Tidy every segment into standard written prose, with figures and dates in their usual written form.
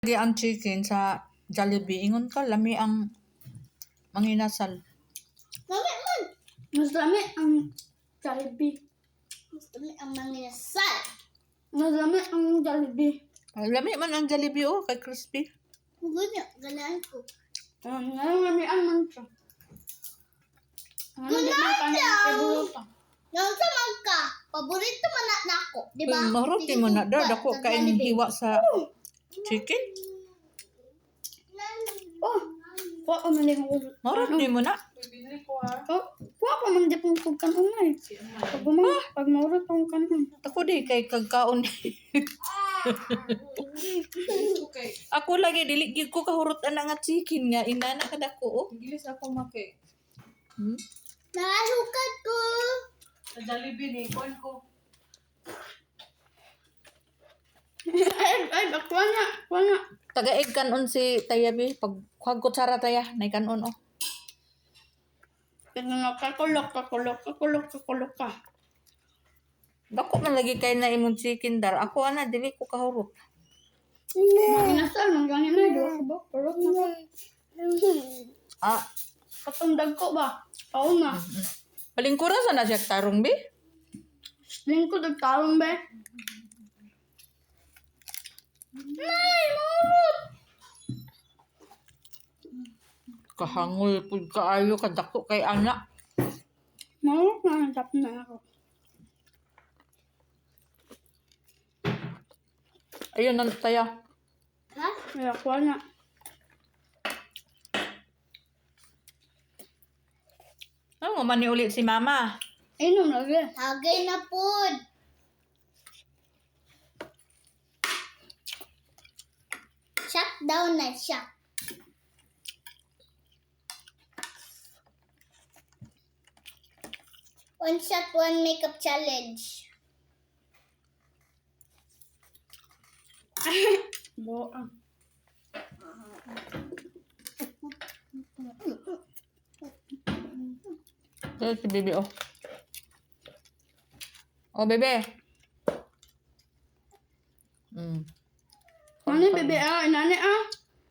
Lagi ang chicken sa Jollibee. Ingon ka, lami ang manginasal. Lami man. Mas dami ang Jollibee. Mas dami ang manginasal. Mas dami ang Jollibee. Lami man ang Jollibee, oh, kay crispy. Ganyan, ganaan ko. Lami ang mancha. Yung sa mangka, paborito man na ako, di ba? Maruti mo na, dako kain hiwa sa chicken. Oh, kuha ko man din ko. Maruti mo na. Oh, kuha ko man din kong kanunay. Pag maurot kong kanon. Ako di kay kagkaon. Ako lagi dili gid ko kahurot ana nga chicken nga inana kadako, oh. Gilis ako make. Nasukat ko. Sa Jollibee ni kon ko. Ay, kuha nga. Taga-egg kanon si Tayabi pag kuhag kutsara taya nay kanon, oh. Kakulok ka. Dako man lagi kay na imong chicken dar. Ako ana dili ko kahurot. Manginasal, mangganin na. Diwa ko ba? Kulok na ko. Ah, Katundag ko ba? Oo na. palingkuran sa na siya tarong bi. Lingkod ang talong ba? Nay, maurot! Kahangol pud kaayo kadako kay ana. Maurot na, hanap na ako. Ayun na taya. Ha? Kaya kuha nga. Ano man ni ulit si mama? Inom lagi. Hagay na pod. Shut down na siya. One shot, one makeup challenge. Boa. Ito si bebe, oh. Oh, bebe. Ano yung bebe ah? Inani ah?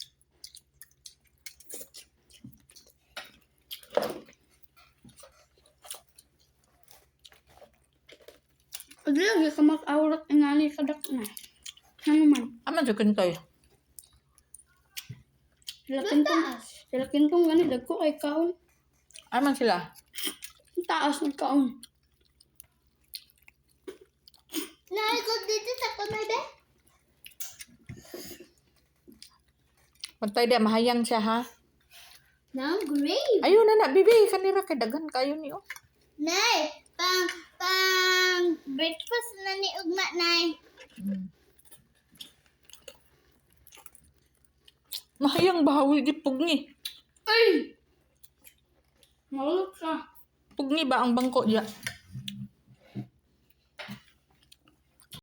Pag lagi ka mag-aurat, inani kadak na. Ano man? Aman sa kintoy. Sila kintong gani, dagko kay kaon. Aman sila. Ang taas ng kaon. Naikot dito sa kamay be. Pantay dia mahayang siya, ha? Now, great. Ayun na, bebe. Kanira kay dagan kayo ni, oh. Nay, pang breakfast na ni Ugma, Nay. Mahayang bahawi di pugni. Ay! Malok ka. Pugni ba ang bangko diya?